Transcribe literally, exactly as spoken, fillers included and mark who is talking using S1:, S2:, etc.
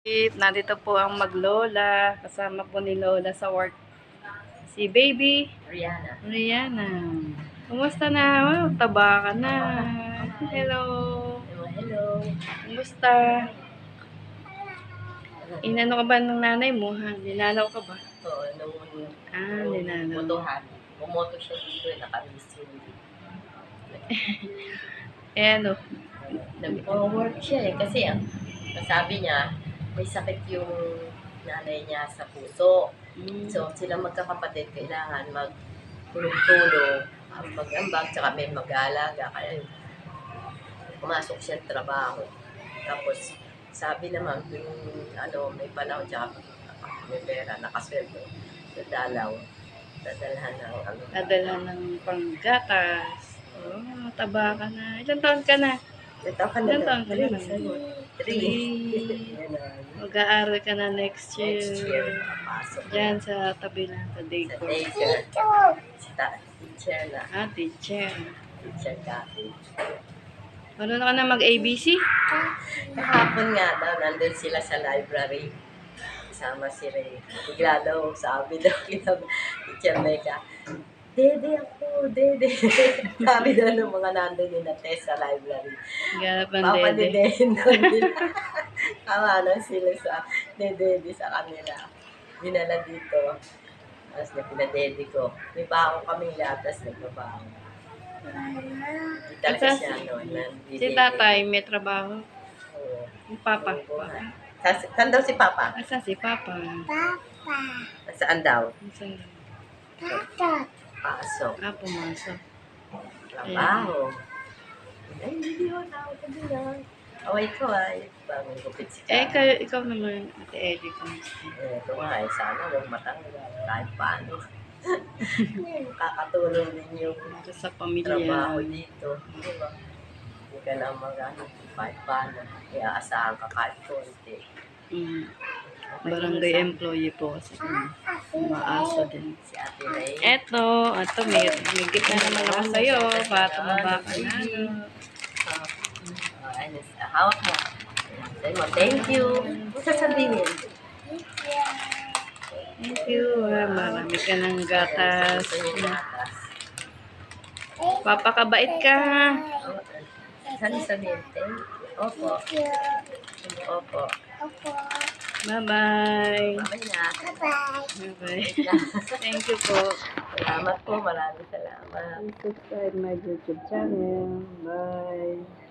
S1: Nandito po ang maglola. Kasama po ni Lola sa work. Si baby.
S2: Rihanna.
S1: Rihanna. Kumusta na? Wow, taba ka na. Hello.
S2: Hello, hello.
S1: Kumusta? Inano ka ba ng nanay mo? Ha? Ninanaw ka ba?
S2: Oo, nung,
S1: Ah,
S2: nung
S1: ninanaw.
S2: botohan. Bumoto siya dito, eh, nakamiss yun.
S1: Eh ano?
S2: Nag-forward siya eh, kasi ang sabi niya, may sakit yung nanay niya sa puso.
S1: Mm.
S2: So, sila magkakapatid, kailangan magtulong-tulong, ang mag-ambag, tsaka may mag-aalaga. Kaya pumasok siya sa trabaho. Tapos, sabi naman, yung ano, may panahon, tsaka may pera, nakasweldo, dadalaw, dadalhan ng ano.
S1: Dadalhan ng panggatas. Oh, taba ka na. Ilan taon ka na?
S2: Ito ka na
S1: Ilan taon ka na?
S2: Three.
S1: Mag-aaral ka na next year.
S2: Next year, papasok
S1: Diyan
S2: na.
S1: sa tabi lang sa
S2: Sa
S1: daycare.
S2: daycare. Sa teacher na.
S1: Ah, teacher.
S2: Teacher dati.
S1: Marunong ka na mag-A B C?
S2: Kahapon nga daw, nandun sila sa library. Kasama si Ray. Bigla daw, sabi daw, kita teacher Mecca, Dede ako, Dede. Sabi daw ng mga nandun yung na-test sa library.
S1: Ganap ang
S2: Papa
S1: dede.
S2: Dede daw nila. Kawa na sila sa Dede sa kanila. Dinala dito. Tapos na pinadede ko. May baon kaming latas, nagbabaon. Hindi talaga
S1: Asa-
S2: siya, no?
S1: Si tatay may trabaho.
S2: Oo.
S1: Yung papa.
S2: Sa- Saan daw si Papa?
S1: Asa si papa?
S2: Saan daw?
S1: Saan?
S2: Pasok.
S1: Ah, pumasok.
S2: Trabaho. Ay, hindi ko tawag ka din ah. Away ko ay. Bagong gupit si
S1: Eh,
S2: Ka.
S1: kayo, ikaw naman, Ate Eddie, kumusta?
S2: Eh, ito nga eh. Sana huwag matanggal. Kahit paano. Kakatulong din yung
S1: Para sa pamilya.
S2: trabaho dito. Di ba? Hindi ka na mag-ano. Kahit paano. Kaya asahan ka kahit konti.
S1: Mm. Barangay employee po kasi kami. Umaasa din.
S2: Si Ate Ray.
S1: Eto, eto, may, may gift na naman ako sa'yo para tumaba ka na.
S2: Ah, ah, ano, hawak mo. Sabi mo, thank you. Ano sasabihin?
S1: Thank you. Ah, marami ka ng gatas.
S2: Gusto niya gatas.
S1: Papakabait ka.
S2: Oh, saan sabihin? Thank you. Opo. Opo.
S1: Bye-bye.
S2: Bye na.
S1: Bye-bye. Thank you po.
S2: Salamat po. Maraming salamat.
S1: Please subscribe my YouTube channel. Bye.